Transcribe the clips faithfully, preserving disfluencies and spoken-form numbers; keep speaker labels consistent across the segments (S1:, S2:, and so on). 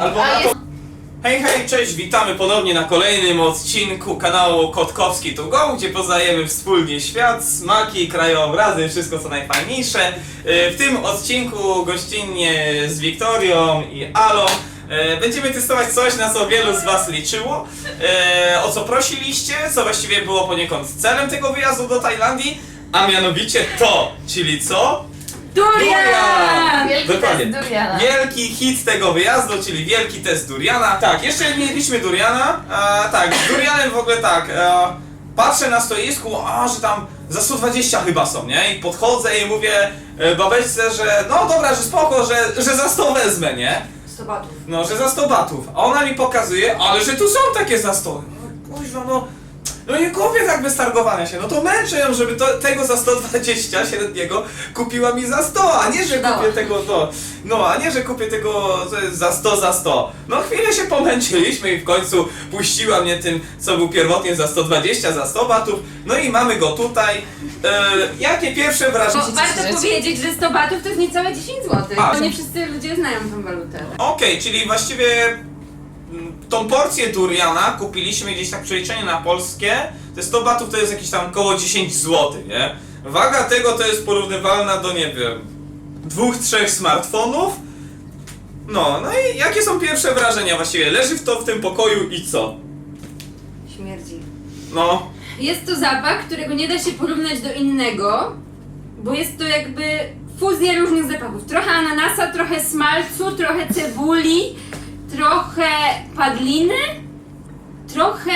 S1: Albo na
S2: jest...
S1: to... Hej, hej, cześć, witamy ponownie na kolejnym odcinku kanału Kotkowski to Go, gdzie poznajemy wspólnie świat, smaki, krajobrazy, wszystko co najfajniejsze. W tym odcinku gościnnie z Wiktorią i Alą będziemy testować coś, na co wielu z was liczyło, o co prosiliście, co właściwie było poniekąd celem tego wyjazdu do Tajlandii, a mianowicie to, czyli co?
S2: Durian!
S3: Wielki
S1: Dokładnie.
S3: test duriana.
S1: Wielki hit tego wyjazdu, czyli wielki test duriana. Tak, jeszcze nie mieliśmy duriana. A, tak, z durianem w ogóle tak. A, patrzę na stoisku, a że tam za sto dwadzieścia chyba są, nie? I podchodzę i mówię e, babeczce, że no dobra, że spoko, że, że za sto wezmę, nie?
S2: sto batów.
S1: No, że za sto batów. A ona mi pokazuje, ale że tu są takie za sto. No, kuźwa, no. No nie kupię tak bez targowania się, no to męczę ją, żeby to, tego za sto dwadzieścia średniego kupiła mi za sto, a nie, że kupię tego to, no, a nie, że kupię tego za sto, za sto. No chwilę się pomęczyliśmy i w końcu puściła mnie tym, co był pierwotnie za sto dwadzieścia, za sto batów, no i mamy go tutaj. E, jakie pierwsze wrażenie?
S2: Bo warto powiedzieć, że sto batów to jest niecałe dziesięć złotych.
S1: A,
S2: Bo nie wszyscy ludzie znają tą walutę.
S1: Okej, okay, czyli właściwie mm, tą porcję duriana kupiliśmy gdzieś tak przeliczenie na polskie. Te sto batów to jest jakieś tam około dziesięć złotych, nie? Waga tego to jest porównywalna do, nie wiem, dwóch, trzech smartfonów. No, no i jakie są pierwsze wrażenia właściwie? Leży w to w tym pokoju i co?
S2: Śmierdzi.
S1: No,
S2: Jest to zapach, którego nie da się porównać do innego, bo jest to jakby fuzja różnych zapachów. Trochę ananasa, trochę smalcu, trochę cebuli, trochę padliny, trochę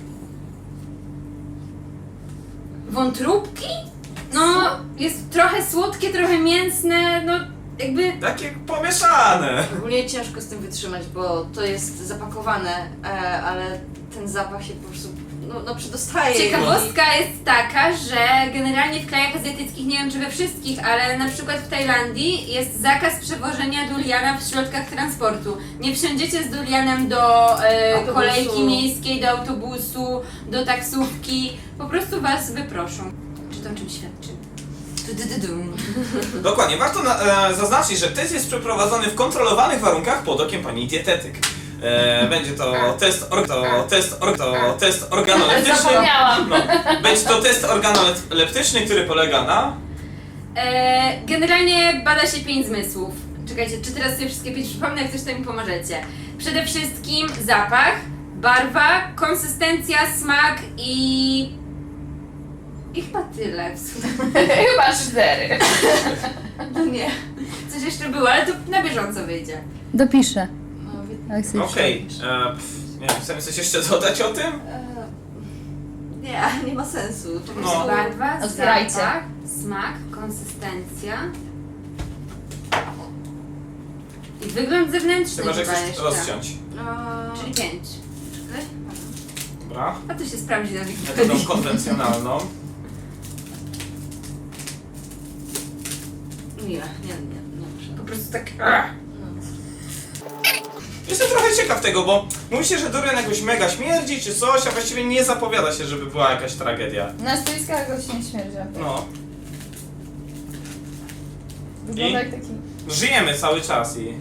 S2: wątróbki. No, jest trochę słodkie, trochę mięsne, no jakby...
S1: takie pomieszane.
S4: Ogólnie ciężko z tym wytrzymać, bo to jest zapakowane, e, ale ten zapach się po prostu no, no przedostaje.
S2: Ciekawostka jest taka, że generalnie w krajach azjatyckich, nie wiem czy we wszystkich, ale na przykład w Tajlandii jest zakaz przewożenia duriana w środkach transportu. Nie wsiądziecie z durianem do e,
S4: Autobusu.
S2: kolejki miejskiej, do autobusu, do taksówki. Po prostu was wyproszą. Czy to o czym świadczy?
S4: Du, du, du, dum.
S1: Dokładnie, warto na, e, zaznaczyć, że test jest przeprowadzony w kontrolowanych warunkach pod okiem pani dietetyk. E, będzie to test, or, to test, or, to test organoleptyczny.
S3: Zapomniałam.
S1: No, będzie to test organoleptyczny, który polega na...
S2: E, generalnie bada się pięć zmysłów. Czekajcie, czy teraz sobie wszystkie pięć przypomnę, jak coś to mi pomożecie. Przede wszystkim zapach, barwa, konsystencja, smak i... I chyba tyle w sumie.
S3: Chyba cztery.
S2: No nie. Coś jeszcze było, ale to na bieżąco wyjdzie.
S5: Dopiszę.
S4: No, wie-
S5: Jak sobie
S1: Okej, okay. Nie wiem, chcemy coś jeszcze dodać o tym?
S4: e, nie, nie ma sensu. Po
S1: No.
S4: prostu
S2: Barwa,
S3: Otwierajcie.
S2: zapach, smak, konsystencja. I wygląd zewnętrzny
S1: Chyba, że
S2: chyba
S1: chcesz
S2: jeszcze.
S1: rozciąć.
S4: e,
S2: Czyli pięć.
S4: czekaj.
S1: Dobra.
S2: A to się sprawdzi na
S1: Metodą
S2: Wikipedii.
S1: konwencjonalną.
S4: Nie, nie, nie, nie muszę.
S2: Po prostu tak...
S4: No.
S1: Jestem trochę ciekaw tego, bo mówi się, że durian jakoś mega śmierdzi czy coś, a właściwie nie zapowiada się, żeby była jakaś tragedia.
S3: Na stoiskach go się nie śmierdzia.
S1: No,
S3: Wygląda
S1: I?
S3: jak taki...
S1: żyjemy cały czas i...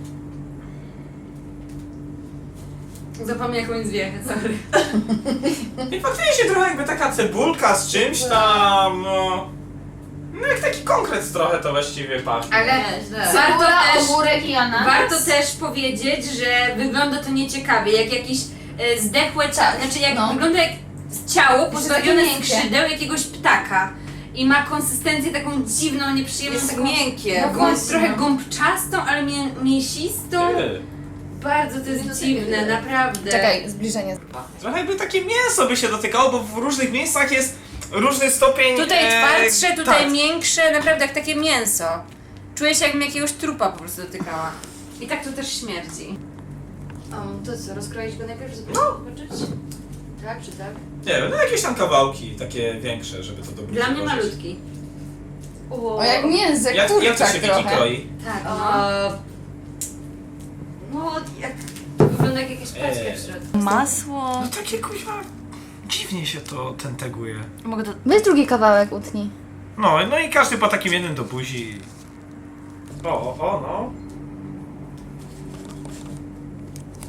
S2: Zapomnę jakąś zwiechę, sorry.
S1: I faktycznie trochę jakby taka cebulka z czymś tam, no... No jak taki konkret trochę to właściwie pachnie.
S2: Ale
S4: Nie, źle.
S2: warto
S3: Cebula,
S2: też,
S3: ogórek i ananas.
S2: warto też powiedzieć, że wygląda to nieciekawie, jak jakieś e, zdechłe ciało,
S3: Tak,
S2: znaczy jak
S3: no.
S2: wygląda jak ciało
S3: takie
S2: pozbawione
S3: miękkie.
S2: skrzydeł jakiegoś ptaka. I ma konsystencję taką dziwną, nieprzyjemną,
S4: Jest
S2: taką
S4: miękkie.
S2: gąb,
S3: właśnie,
S2: trochę
S3: no.
S2: gąbczastą, ale mię, mięsistą.
S1: Ty.
S2: Bardzo to jest
S4: No to
S2: dziwne,
S4: takie-
S2: naprawdę.
S3: Czekaj, zbliżenie.
S1: Trochę jakby takie mięso by się dotykało, bo w różnych miejscach jest różny stopień...
S2: Tutaj
S1: e,
S2: twardsze, tutaj
S1: tak.
S2: miększe, naprawdę jak takie mięso. Czuję się jakbym jakiegoś trupa po prostu dotykała. I tak to też śmierdzi.
S4: Um, to co, rozkroić go najpierw, żeby
S1: No.
S4: zobaczyć? Tak czy tak?
S1: Nie wiem, no jakieś tam kawałki takie większe, żeby to dobrze
S2: Dla mnie
S1: złożyć.
S2: malutki.
S3: O, jak mięsek,
S1: Jak, jak to
S3: kurczak
S1: się wiki
S3: trochę.
S1: kroi?
S2: Tak, no.
S4: A, no, jak...
S2: Wygląda jak jakaś paczka
S1: Eee.
S2: w środku.
S4: Masło...
S1: No takie kuźwa... Dziwnie się to ten teguje.
S4: Mogę to...
S5: Weź drugi kawałek, utnij.
S1: No, no i każdy po takim jednym do buzi. O, o, o, no.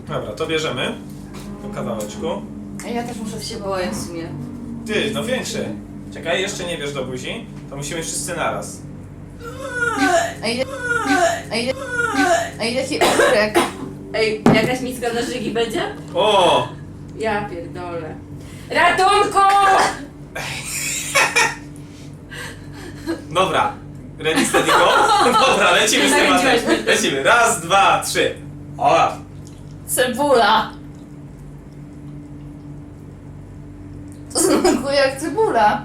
S1: Dobra, to bierzemy po kawałeczku.
S3: A ja też muszę
S4: To się
S3: się
S4: boję w sumie.
S1: Ty, no większy. Czekaj, jeszcze nie bierz do buzi. To musimy wszyscy naraz.
S3: A ile... A ile... A ile ci ogórek?
S2: Ej, jakaś miska na żygi będzie?
S1: O!
S2: Ja pierdolę. Ratunku!
S1: Dobra. Ready, steady, go? Dobra, lecimy z tematem.
S2: Zachęciłaś mnie.
S1: Lecimy. Raz, dwa, trzy. O!
S3: Cebula! To smakuje jak cebula.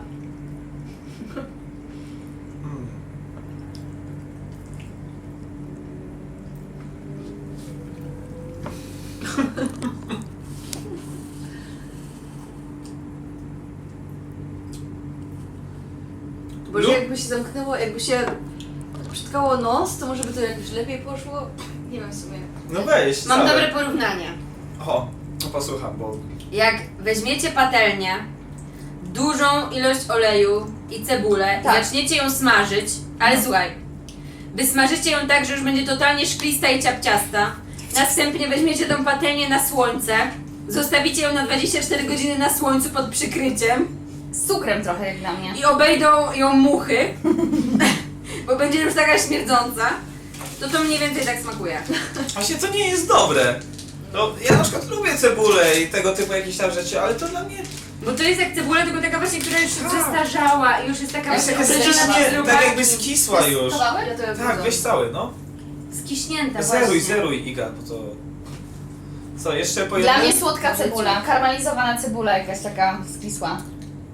S4: Boże,
S1: Lu-
S4: jakby się zamknęło, jakby się przytkało nos, to może by to jakoś lepiej poszło? Nie wiem w sumie.
S1: No weź,
S2: Mam
S1: całe.
S2: dobre porównanie.
S1: O, no posłucham, bo...
S2: Jak weźmiecie patelnię, dużą ilość oleju i cebulę,
S3: Tak.
S2: i zaczniecie ją smażyć, ale słuchaj, wysmażycie ją tak, że już będzie totalnie szklista i ciapciasta, następnie weźmiecie tą patelnię na słońce, zostawicie ją na dwadzieścia cztery godziny na słońcu pod przykryciem
S3: Z cukrem trochę jak dla mnie.
S2: i obejdą ją muchy, bo będzie już taka śmierdząca, to to mniej więcej tak smakuje.
S1: Właśnie to nie jest dobre. No, ja na przykład lubię cebulę i tego typu jakieś tam rzeczy, ale to dla mnie...
S2: Bo to jest jak cebula, tylko taka właśnie, która już się
S1: Tak.
S2: zestarzała i już jest taka
S3: Jeszcze
S2: właśnie
S3: jest
S2: obleżona
S3: nie-
S2: przez
S1: Nie,
S2: robaki.
S1: tak jakby skisła już.
S3: Kawałek?
S4: Ja to jak
S1: Tak, weź cały, no.
S2: Skiśnięta
S1: Zeruj,
S2: właśnie.
S1: zeruj, Iga, bo to... Co, jeszcze po
S3: Dla
S1: jednym?
S3: mnie słodka cebula, karmelizowana cebula jakaś taka skisła.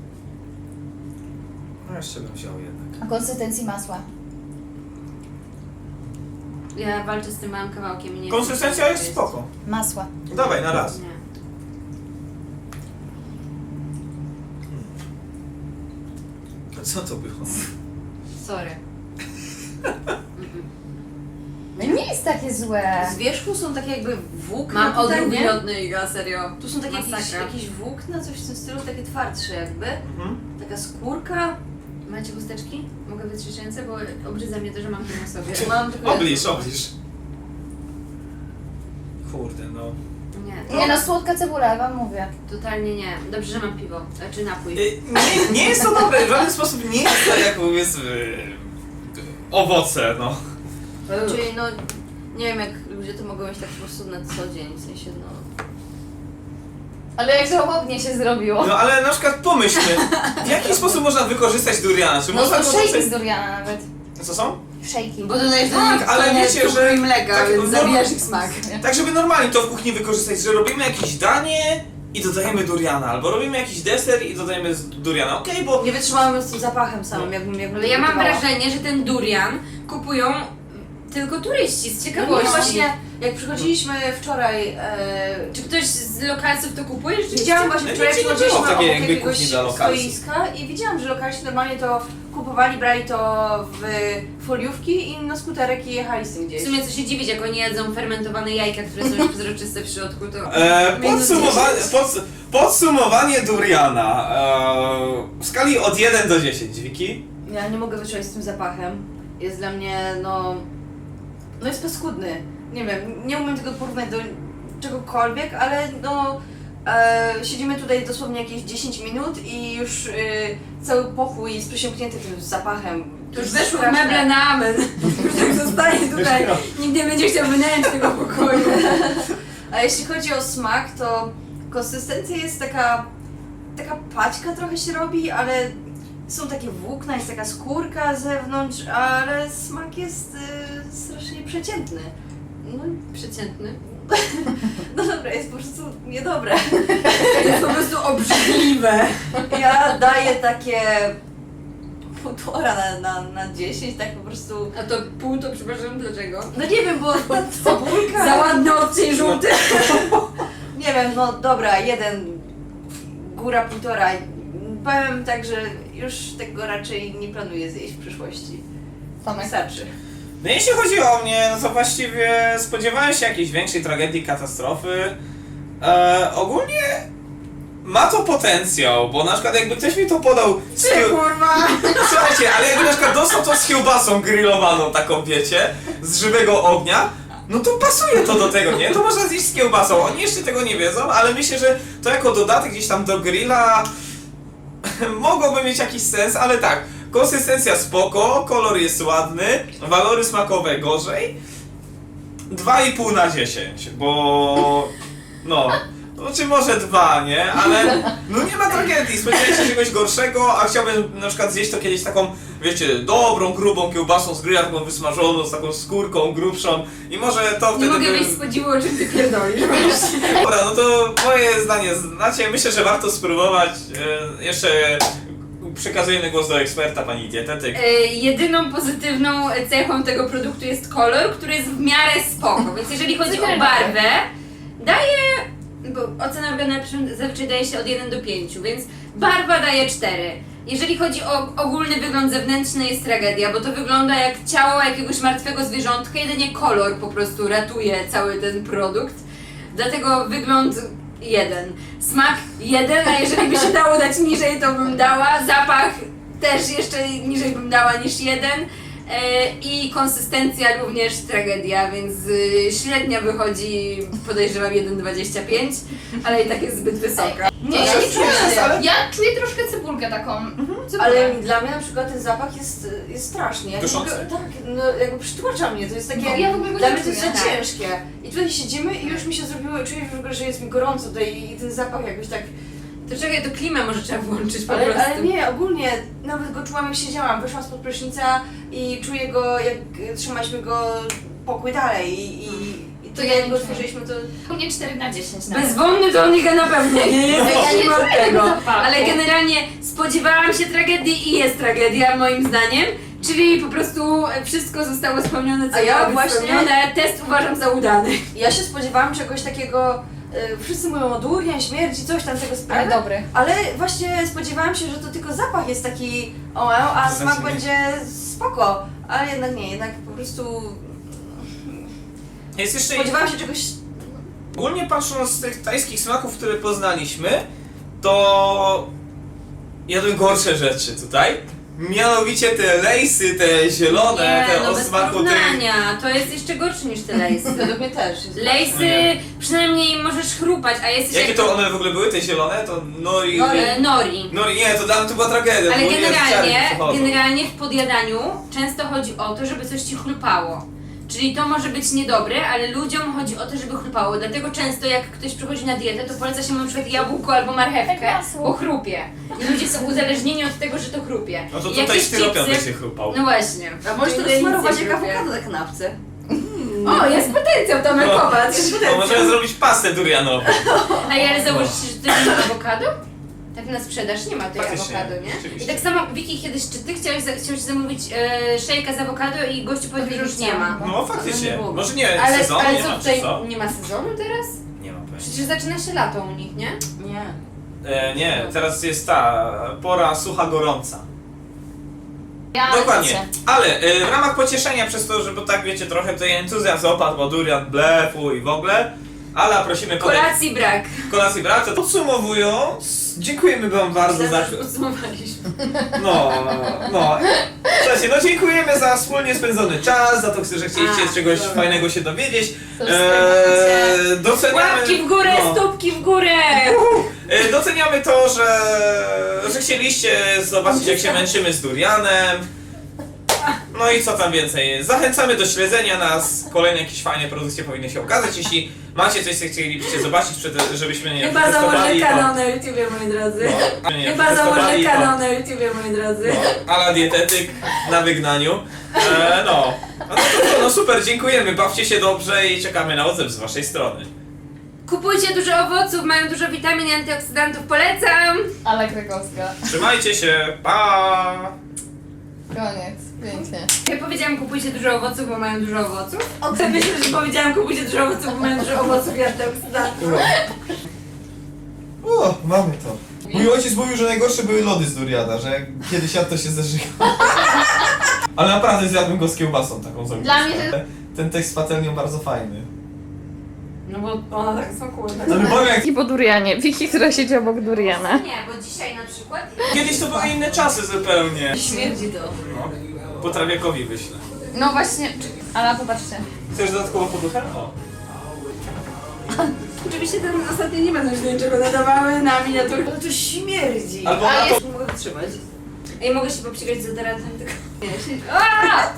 S1: No jeszcze bym wziął jednak.
S3: A konsystencji masła.
S2: Ja walczę z tym małym kawałkiem i nie
S1: Konsystencja
S2: chcę
S1: jest
S2: jeść.
S1: spoko.
S3: Masła.
S1: Dawaj, na raz.
S2: Nie.
S1: Co to było?
S2: Sorry.
S3: No nie jest takie złe.
S4: Z wierzchu są takie jakby włókna
S2: Mam
S4: tutaj,
S2: odruch
S4: nie?
S2: miodny, Iga, serio.
S4: Tu są takie jakieś,
S2: Masakra.
S4: jakieś włókna, coś w tym stylu, takie twardsze jakby.
S1: Mhm.
S4: Taka skórka.
S2: Macie chusteczki? Mogę wytrzeć ręce, bo obrzydza mnie to, że mam to na sobie.
S4: Mam tylko
S1: Obliż, obliż. Kurde, no.
S2: Nie,
S3: Nie no, słodka cebula, wam mówię.
S2: totalnie nie. Dobrze, że mam piwo, czy napój.
S1: Y, Nie, nie jest to dobre, w żaden sposób nie jest to jak powiedzmy... owoce, no.
S4: Czyli no, nie wiem jak ludzie to mogą mieć tak po prostu na co dzień, w sensie no...
S3: Ale jak żałobnie się zrobiło.
S1: No ale na przykład pomyślmy, w jaki sposób można wykorzystać duriana? Czy
S3: No
S1: można
S3: to
S1: go
S3: szejki
S1: tutaj...
S3: z duriana nawet.
S1: Co są?
S3: Szejki.
S2: Bo dodajesz do
S1: Tak,
S2: nich
S1: ale
S2: ale
S1: wiecie,
S2: cukru
S1: że-
S2: i mleka,
S1: tak,
S2: więc
S1: no-
S2: zabijasz ich smak.
S1: Tak, żeby normalnie to w kuchni wykorzystać, że robimy jakieś danie i dodajemy duriana, albo robimy jakiś deser i dodajemy z duriana, okej, bo...
S4: Nie wytrzymałam z tym zapachem samym, jakbym jakbym
S2: Ale ja mam
S4: gotowała.
S2: wrażenie, że ten durian kupują tylko turyści z
S4: No
S2: ciekawości.
S4: nie, właśnie, jak przychodziliśmy wczoraj, e,
S2: Czy ktoś z lokalców to kupuje? Rzeczywiście?
S4: widziałam właśnie
S1: No
S4: wczoraj,
S1: nigdzie nie
S4: przychodziliśmy
S1: było takiej
S4: obok
S1: jakby
S4: jakiegoś
S1: kuchni dla lokalsów.
S4: stoiska i widziałam, że lokalsi normalnie to kupowali, brali to w foliówki i na skuterek i jechali z tym
S2: W
S4: gdzieś.
S2: sumie co się dziwić, jak oni jedzą fermentowane jajka, które są już przezroczyste w środku, to...
S1: E,
S2: Minus
S1: podsumowanie,
S2: dziesięć.
S1: pods, podsumowanie duriana e, w skali od jeden do dziesięć, Wiki?
S4: Ja nie mogę wytrzymać z tym zapachem. Jest dla mnie, no... No jest paskudny. Nie wiem, nie umiem tego porównać do czegokolwiek, ale no... E, siedzimy tutaj dosłownie jakieś dziesięć minut i już e, cały pokój jest przesiąknięty tym zapachem.
S2: To już
S4: jest
S2: weszło w
S4: straszne.
S2: meble na amen. Już tak zostaje tutaj. Nikt nie będzie chciał wynająć tego pokoju.
S4: A jeśli chodzi o smak, to konsystencja jest taka... Taka paćka trochę się robi, ale są takie włókna, jest taka skórka z zewnątrz, ale smak jest y, strasznie przeciętny. No,
S2: Przeciętny.
S4: no dobra, jest po prostu niedobre.
S2: Jest po prostu obrzydliwe.
S4: Ja daję takie półtora na, na, na dziesięć, tak po prostu...
S2: A to pół to przepraszam, dlaczego?
S4: No nie wiem, bo ta cebulka...
S2: Za ładny odcień żółty.
S4: Nie wiem, no dobra, jeden, góra półtora. Powiem tak, że już tego raczej nie planuję zjeść w przyszłości.
S3: Tomek.
S4: Wystarczy.
S1: No jeśli chodzi o mnie, no to właściwie spodziewałem się jakiejś większej tragedii, katastrofy. E, ogólnie ma to potencjał, bo na przykład jakby ktoś mi to podał z
S2: Ty
S1: kieł...
S2: kurwa.
S1: Słuchajcie, ale jakby na przykład dostał to z kiełbasą grillowaną taką, wiecie, z żywego ognia, no to pasuje to do tego, nie? To można zjeść z kiełbasą. Oni jeszcze tego nie wiedzą, ale myślę, że to jako dodatek gdzieś tam do grilla mogłoby mieć jakiś sens, ale tak. Konsystencja spoko, kolor jest ładny, walory smakowe gorzej. dwa i pół na dziesięć, bo no, no czy może dwa, nie? Ale no nie ma tragedii, spodziewałem się czegoś gorszego, a chciałbym na przykład zjeść to kiedyś taką, wiecie, dobrą, grubą kiełbasą z grilla, taką wysmażoną, z taką skórką grubszą i może to
S2: Nie
S1: wtedy
S2: mogę
S1: by...
S2: mieć spodziewu, o czym ty pierdolisz.
S1: Dobra, no to moje zdanie znacie, myślę, że warto spróbować. E, jeszcze przekazujemy głos do eksperta, pani dietetyk.
S2: E, jedyną pozytywną cechą tego produktu jest kolor, który jest w miarę spoko, więc jeżeli chodzi o barwę, daje, bo ocena organa zazwyczaj daje się od jeden do pięciu, więc barwa daje cztery. Jeżeli chodzi o ogólny wygląd zewnętrzny, jest tragedia, bo to wygląda jak ciało jakiegoś martwego zwierzątka, jedynie kolor po prostu ratuje cały ten produkt. Dlatego wygląd jeden. Smak jeden, a jeżeli by się dało dać niżej, to bym dała. Zapach też jeszcze niżej bym dała niż jeden. E, I konsystencja również tragedia, więc y, średnia wychodzi, podejrzewam, jeden przecinek dwadzieścia pięć, ale i tak jest zbyt wysoka.
S3: Nie, ja nie czuję.
S1: Jest, ale-
S3: Ja czuję troszkę cebulkę taką. Cebulę.
S4: Ale dla mnie na przykład ten zapach jest, jest straszny. Ja
S1: Duszący?
S4: mogę- tak, no jakby przytłacza mnie, to jest takie...
S3: No, ja w ogóle go
S4: dla
S3: nie
S4: mnie to jest za
S3: czuję.
S4: ciężkie. I tutaj siedzimy i już mi się zrobiło, czuję w ogóle, że jest mi gorąco tutaj i ten zapach jakoś tak...
S2: To czekaj, to klimę może trzeba włączyć po
S4: Ale,
S2: prostu.
S4: ale nie, ogólnie nawet go czułam jak siedziałam, wyszłam spod prysznica i czuję go jak trzymaliśmy go pokój dalej i, i, i to
S3: ja
S4: jak
S3: nie
S4: go
S3: czuję.
S4: otworzyliśmy to...
S3: U mnie cztery na dziesięć nawet.
S2: Bezwonny to Oniga na pewno nie jest,
S3: Ja nie
S2: nie mam
S3: czuję
S2: tego.
S3: zapachu.
S2: Ale generalnie spodziewałam się tragedii i jest tragedia moim zdaniem. Czyli po prostu wszystko zostało spełnione, co
S4: A ja
S2: miało być
S4: właśnie-
S2: spełnione. Test uważam za udany.
S4: Ja się spodziewałam czegoś takiego, y, wszyscy mówią o durian, śmierci, coś tam tego sprawy.
S3: Ale dobry.
S4: Ale właśnie spodziewałam się, że to tylko zapach jest taki o, a
S1: To
S4: smak
S1: znaczy nie.
S4: będzie spoko. Ale jednak nie, jednak po prostu
S1: Jest jeszcze
S4: spodziewałam się czegoś...
S1: ogólnie patrząc z tych tajskich smaków, które poznaliśmy, to jadłem gorsze rzeczy tutaj. Mianowicie te lejsy, te zielone,
S2: Nie,
S1: te
S2: no
S1: o
S2: bez
S1: smaku tych...
S2: porównania. To jest jeszcze gorsze niż te lejsy.
S4: Według mnie też. jest
S2: Lejsy
S1: Nie.
S2: przynajmniej możesz chrupać, a jesteś
S1: Jakie
S2: jak...
S1: to one w ogóle były, te zielone? To nori...
S2: Nori. E, Nori.
S1: Nori, nie, to dla mnie to była tragedia.
S2: Ale
S1: bo nie
S2: generalnie,
S1: wiedziałem, co chodzą.
S2: generalnie w podjadaniu często chodzi o to, żeby coś ci chlupało. Czyli to może być niedobre, ale ludziom chodzi o to, żeby chlupało. Dlatego często jak ktoś przychodzi na dietę, to poleca się mu na przykład jabłko albo marchewkę,
S3: masło.
S2: bo chrupie. I ludzie są uzależnieni od tego, że to chrupie.
S1: No to
S2: I
S1: tutaj
S2: jakieś
S1: styropian
S2: chipsy-
S1: będzie chrupał.
S2: No właśnie.
S4: A możesz
S2: To
S4: to
S2: nic
S4: smarować
S2: nie
S4: jak
S2: chrupie.
S4: awokado na kanapce.
S2: O, jest potencjał, Tomek,
S1: No.
S2: popatrz.
S1: Bo możemy zrobić pastę durianową.
S2: A ale zauważyliście, że to jest awokado? Tak na sprzedaż nie ma tej
S1: Faktycznie,
S2: awokado, nie?
S1: rzeczywiście.
S2: I tak samo, Wiki, kiedyś, czy ty chciałeś, za- chciałeś zamówić e, szejka z awokado i gościu powiedział, że już nie ma.
S1: No faktycznie.
S2: nie było.
S1: Może nie
S2: Ale,
S1: sezon,
S2: ale
S1: nie
S2: co
S1: ma
S2: tutaj,
S1: czy co?
S2: nie ma sezonu teraz?
S1: Nie ma pojęcia.
S2: Przecież zaczyna się lato u nich, nie?
S4: Nie.
S1: E, nie, teraz jest ta pora sucha, gorąca.
S3: Ja
S1: Dokładnie.
S3: się.
S1: Ale e, w ramach pocieszenia przez to, że bo tak wiecie, trochę tutaj entuzjazm opadł, bo durian blefu i w ogóle. Ala, prosimy podejść.
S2: Kolacji brak.
S1: Kolacji brak. To podsumowując, dziękujemy wam bardzo za...
S2: Myślałam, że już podsumowaliśmy.
S1: No, no. Słuchajcie, no dziękujemy za wspólnie spędzony czas, za to, że chcieliście
S2: A,
S1: czegoś
S2: dobra.
S1: fajnego się dowiedzieć.
S3: Subskrybujcie.
S1: Eee, doceniamy...
S2: Łapki w górę,
S1: no.
S2: stópki w górę!
S1: E, Doceniamy to, że, że chcieliście zobaczyć, jak się męczymy z durianem. No i co tam więcej. Zachęcamy do śledzenia nas. Kolejne jakieś fajne produkcje powinny się okazać. Jeśli macie coś, co chcielibyście zobaczyć, przed- żebyśmy nie
S2: Chyba założę
S1: przetestowali,
S2: kanał na YouTubie, moi drodzy.
S1: No, nie
S2: Chyba założę
S1: przetestowali, to-
S2: kanał na YouTubie, moi drodzy.
S1: No, ala dietetyk na wygnaniu. E, no. No, to, to, no super, dziękujemy. Bawcie się dobrze i czekamy na odzew z waszej strony.
S2: Kupujcie dużo owoców, mają dużo witamin i antyoksydantów, polecam!
S3: Ale Krakowska.
S1: Trzymajcie się. Pa!
S3: Koniec. Pięknie.
S2: Ja powiedziałam kupujcie dużo owoców, bo mają dużo owoców. Ty myślisz, że powiedziałam kupujcie dużo owoców, bo mają dużo owoców i antyoksydantów.
S6: O, mamy to. Mój ojciec mówił, że najgorsze były lody z duriana, że jak kiedyś jadł, to się zażyga. Ale naprawdę zjadłem go z kiełbasą taką z
S3: Dla mnie, że-
S6: Ten tekst z patelnią bardzo fajny.
S2: No bo one tak smakują.
S6: Ale powiem jak
S5: I po durianie. Wiki, która siedzi obok duriana.
S2: Nie, bo dzisiaj na przykład...
S1: Kiedyś to były inne czasy zupełnie.
S4: Śmierdzi to.
S1: No. Potrawiakowi wyślę.
S3: No właśnie, ale popatrzcie.
S1: Chcesz dodatkową poduchę? O.
S4: Oczywiście ten ostatni nie będą się do niczego nadawały na miniaturę. Ale to śmierdzi.
S1: Albo
S3: A
S1: na to...
S3: jest-
S4: Nie mogę wytrzymać.
S2: Ej, mogę się popsikać z deodorantem, tylko...
S4: Nie, się...
S2: Aaa!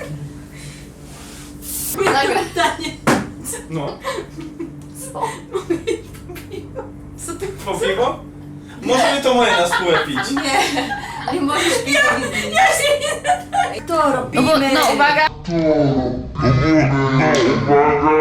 S3: Nagle.
S1: No.
S3: Co?
S4: Co ty?
S1: Po piwo? Możemy to moje na spółę pić.
S4: Nie.
S3: Nie możesz pić takich zdjęć.
S4: To
S3: No
S4: robimy.
S3: bo, no uwaga.